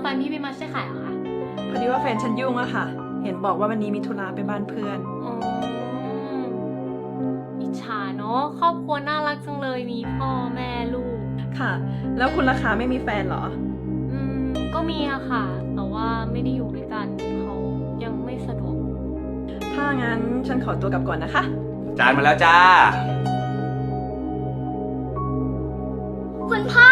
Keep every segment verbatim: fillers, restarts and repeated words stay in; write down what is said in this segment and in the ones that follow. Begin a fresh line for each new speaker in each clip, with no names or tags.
แฟนพี่ไม่มาช่วยขายเหรอคะ
พอดีว่าแฟนฉันยุ่งอะค่ะ เห็นบอกว่าวันนี้มีธุระไปบ้านเพื่อน
อ๋ออิจฉาเนาะครอบครัวน่ารักจังเลยมีพ่อแม่ลูก
ค่ะ แล้วคุณราคาไม่มีแฟนเหรอ
อืมก็มีอะค่ะ แต่ว่าไม่ได้อยู่ด้วยกันเขายังไม่สะดวก
ถ้างั้นฉันขอตัวกลับก่อนนะคะ
จานมาแล้วจ้า
คุณพ่อ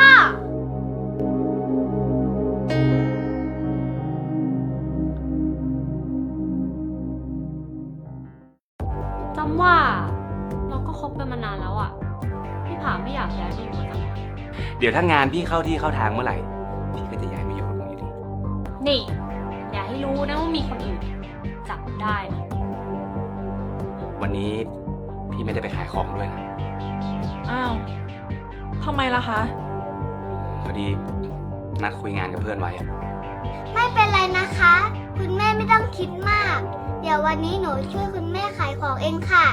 จำว่าเราก็คบกันมานานแล้วอะพี่ผาไม่อยากย้ายไปอยู่กับจัง
เดี๋ยวถ้างานพี่เข้าที่เข้าทางเมื่อไหร่ พี่ก็จะย้ายมาอยู่กับลุงอยู่ดี
นี่ อย่าให้รู้นะว่ามีคนอื่นจับได้นะ
วันนี้พี่ไม่ได้ไปขายของด้วยนะ
อ้าวทำไมล่ะคะ
พอดีนัดคุยงานกับเพื่อนไว้อะ
ไม่เป็นไรนะคะ คุณแม่ไม่ต้องคิดมาก เดี๋ยววันนี้หนูช่วยคุณแม่ขายของเองค่ะ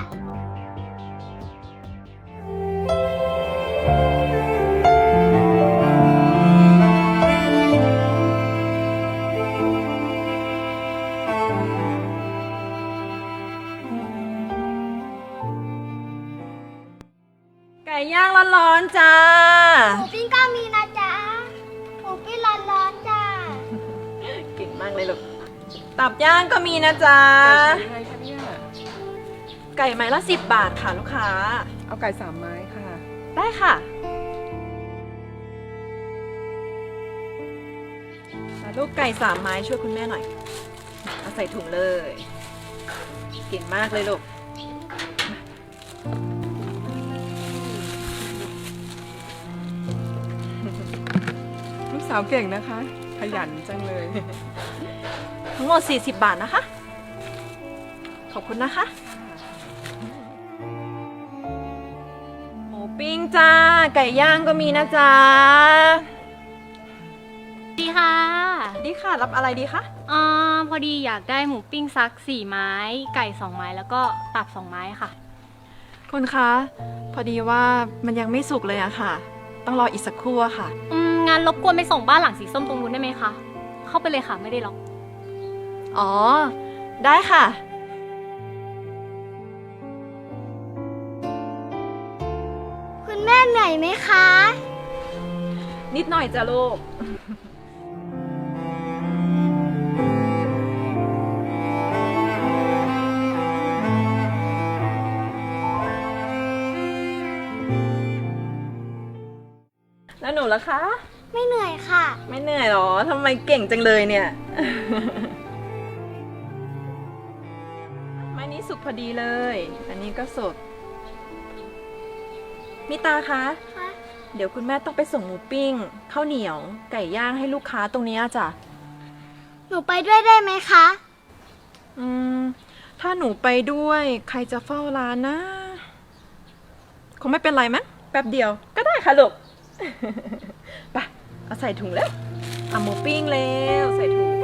ไก่ย่างร้อนๆจ้า
หมูปิ้งก็มีนะจ๊ะ หมูปิ้งร้อนๆจ้า
เก่งมากเลยลูก ตับย่างก็มีนะจ๊ะ
ไก่ไงคะเนี่ย
ไก่ไม้ละสิบบาทค่ะลูกค้า
เอาไก่สามไม้ค่ะ
ได้ค่ะแล้วลูกไก่สามไม้ช่วยคุณแม่หน่อย เอาใส่ถุงเลย เก่งมากเลยลูก
ลูกสาวเก่งนะคะ ขยันจังเลย
ทั้งหมดสี่สิบบาทนะคะ ขอบคุณนะคะ หมูปิ้งจ้า ไก่ย่างก็มีนะจ๊ะ
ดีค่ะ
ดีค่ะ รับอะไรดีคะ
อ่าพอดีอยากได้หมูปิ้งซักสี่ไม้ ไก่สองไม้แล้วก็ตับสองไม้ค่ะ
คุณคะ พอดีว่ามันยังไม่สุกเลยอะค่ะ ต้องรออีกสักครู่อะค่ะ
อืมงานรบกวนไปส่งบ้านหลังสีส้มตรงนู้นได้ไหมคะ เข้าไปเลยค่ะไม่ได้ล็อก
อ๋อ ได้ค่ะ
คุณแม่เหนื่อยไหมคะ
นิดหน่อยจ้ะลูก แล้วหนูล่ะคะ
ไม่เหนื่อยค่ะ
ไม่เหนื่อยหรอ ทำไมเก่งจังเลยเนี่ย ไม้นี้สุกพอดีเลย อันนี้ก็สด มิตาคะ
ค่ะ
เดี๋ยวคุณแม่ต้องไปส่งหมูปิ้ง ข้าวเหนียว ไก่ย่างให้ลูกค้าตรงนี้จ้ะ
หนูไปด้วยได้ไหมคะ
อืม ถ้าหนูไปด้วย ใครจะเฝ้าร้านนะ คงไม่เป็นไรมั้ง แป๊บเดียว ก็ได้ค่ะลูก ไป เอาใส่ถุงแล้วเอาหมูปิ้งแล้วใส่ถุง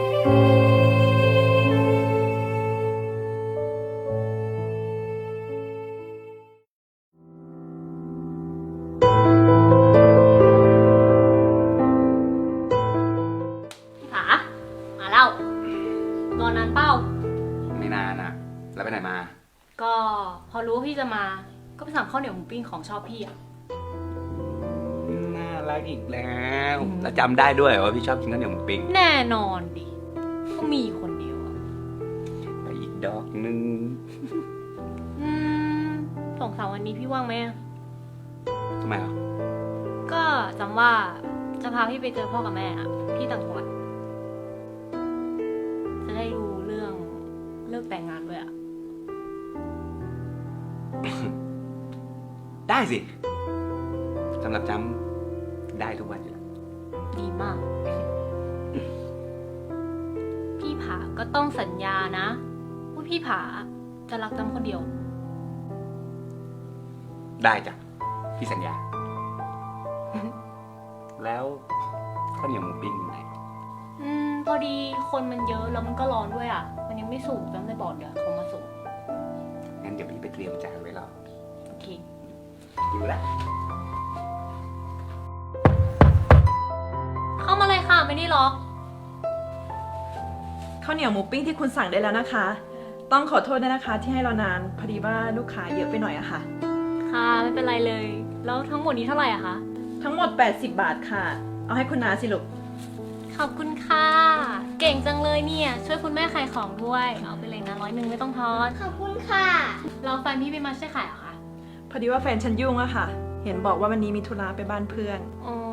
พี่ผา มาแล้วรอนานเป้า
ไม่นานอ่ะ แล้วไปไหนมา
ก็พอรู้ว่าพี่จะมา ก็ไปสั่งข้าวเหนียวหมูปิ้งของชอบพี่อะ
น่ารักอีกแล้ว แล้วจำได้ด้วยว่าพี่ชอบกินข้าวเหนียวหมูปิ้ง
แน่นอนดิ ก็มีคนเดียวอะ
ไปอีกดอกนึง
อืมสองสามวันนี้พี่ว่างไหมอะ
ทำไมอ่ะ
ก็จำว่าจะพาพี่ไปเจอพ่อกับแม่อะที่ต่างจังหวัดจะได้รู้เรื่องเลิกแต่งงานด้วยอะ
ได้สิสำหรับจำได้ทุกวันอยู่แล้ว
ดีมาก พี่ผาก็ต้องสัญญานะว่าพี่ผาจะรักจำคนเดียว
ได้จ้ะพี่สัญญา แล้วข้าวเหนียวหมูปิ้งอยู่ไหน
อืมพอดีคนมันเยอะแล้วมันก็ร้อนด้วยอ่ะ มันยังไม่สุกจำได้บอกเดี๋ยวเขามาส่ง
งั้นเดี๋ยวพี่ไปเตรียมจานไว้รอ
โอเค
อยู่แล้ว
เข้ามาเลยค่ะไม่ได้ล็อก
ข้าวเหนียวหมูปิ้งที่คุณสั่งได้แล้วนะคะ ต้องขอโทษด้วยนะคะที่ให้เรานาน พอดีว่าลูกค้าเยอะไปหน่อยอะค่ะ
ค่ะไม่เป็นไรเลย แล้วทั้งหมดนี้เท่าไหร่อะคะ
ทั้งหมด แปดสิบบาทค่ะ เอาให้คุณนาสิลูก
ขอบคุณค่ะ เก่งจังเลยเนี่ย ช่วยคุณแม่ขายของด้วย เอาไปเลยนะร้อยหนึ่งไม่ต้องทอน
ขอบคุณค่ะ
เราแฟนพี่ไปมาช่วยขายเหรอคะ
พอดีว่าแฟนฉันยุ่งอะค่ะ เห็นบอกว่าวันนี้มีธุระไปบ้านเพื่อน
อ๋อ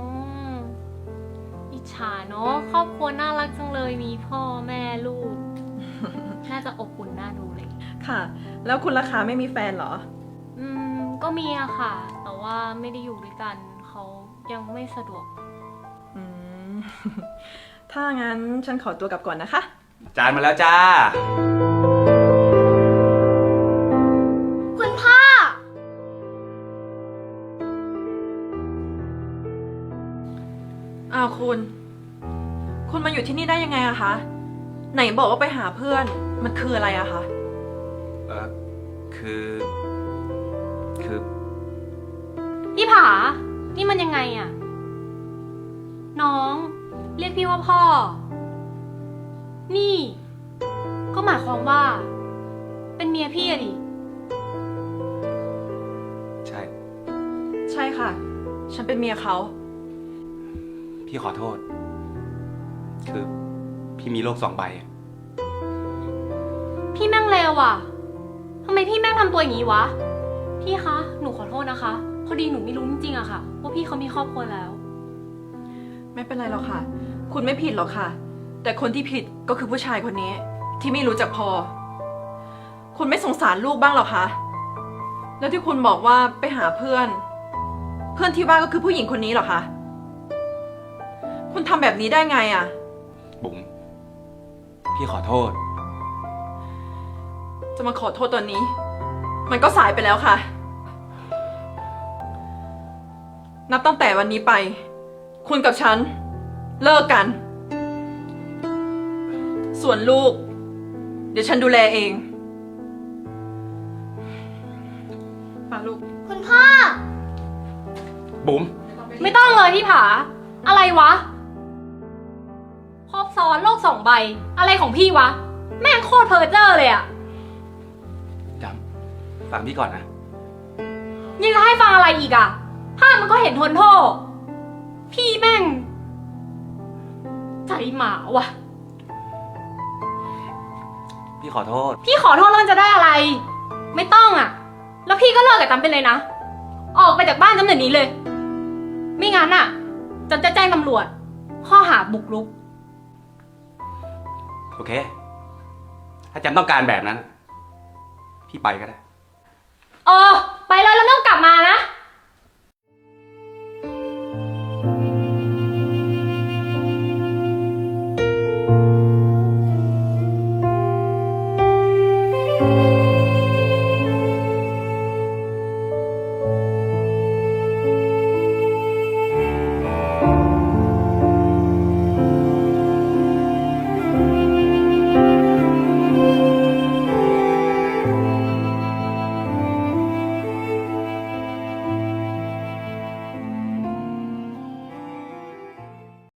อิจฉาเนาะ ครอบครัวน่ารักจังเลย มีพ่อแม่ลูก น่าจะอบอุ่นน่าดูเลย
ค่ะ แล้วคุณราคาไม่มีแฟนเหรอ
อืม ก็มีอะค่ะ แต่ว่าไม่ได้อยู่ด้วยกัน เขายังไม่สะดวก
อืม ถ้างั้นฉันขอตัวกลับก่อนนะคะ
จานมาแล้วจ้า
คุณพ่อ
อ้าวคุณ คุณมาอยู่ที่นี่ได้ยังไงอะคะ ไหนบอกว่าไปหาเพื่อน มันคืออะไรอะคะ
เออคือ คือ
พี่ผา นี่มันยังไงอะน้อง เรียกพี่ว่าพ่อ นี่ ก็หมายความว่า เป็นเมียพี่อะดิ
ใช่
ใช่ค่ะ ฉันเป็นเมียเขา
พี่ขอโทษ คือ พี่มีโลกสองใบอะ
พี่แม่งเลวอ่ะทำไมพี่แม่งทำตัวอย่างนี้วะ พี่คะ หนูขอโทษนะคะ พอดีหนูไม่รู้จริงๆอะค่ะ ว่าพี่เขามีครอบครัวแล้ว
ไม่เป็นไรหรอกค่ะ คุณไม่ผิดหรอกค่ะ แต่คนที่ผิดก็คือผู้ชายคนนี้ ที่ไม่รู้จักพอ คุณไม่สงสารลูกบ้างหรอคะ แล้วที่คุณบอกว่าไปหาเพื่อน เพื่อนที่ว่าก็คือผู้หญิงคนนี้เหรอคะ คุณทำแบบนี้ได้ไงอะ
บุ๋ม พี่ขอโทษ
จะมาขอโทษตอนนี้ มันก็สายไปแล้วค่ะ นับตั้งแต่วันนี้ไป คุณกับฉัน เลิกกัน ส่วนลูก เดี๋ยวฉันดูแลเองมาลูก
คุณพ่อ
บุ๋ม
ไม่ต้องเลยพี่ผา อะไรวะ ครอบซ้อนโลกสองใบ อะไรของพี่วะ แม่งโคตรเพอร์เจอร์เลยอะ
จำฟังพี่ก่อนนะ
ยังจะให้ฟังอะไรอีกอะภาพมันก็เห็นทนโทษ พี่แม่ง ใจหมาวะ
พี่ขอโทษ
พี่ขอโทษแล้วมันจะได้อะไร ไม่ต้องอะแล้วพี่ก็เลิกกับจำไปเลยนะ ออกไปจากบ้านจำเดี๋ยวนี้เลย ไม่งั้นอะจำจะแจ้งตำรวจ ข้อหาบุกรุก
โอเค ถ้าจำต้องการแบบนั้น พี่ไปก็ได้
เออ ไปเลยแล้วไม่ต้องกลับมานะ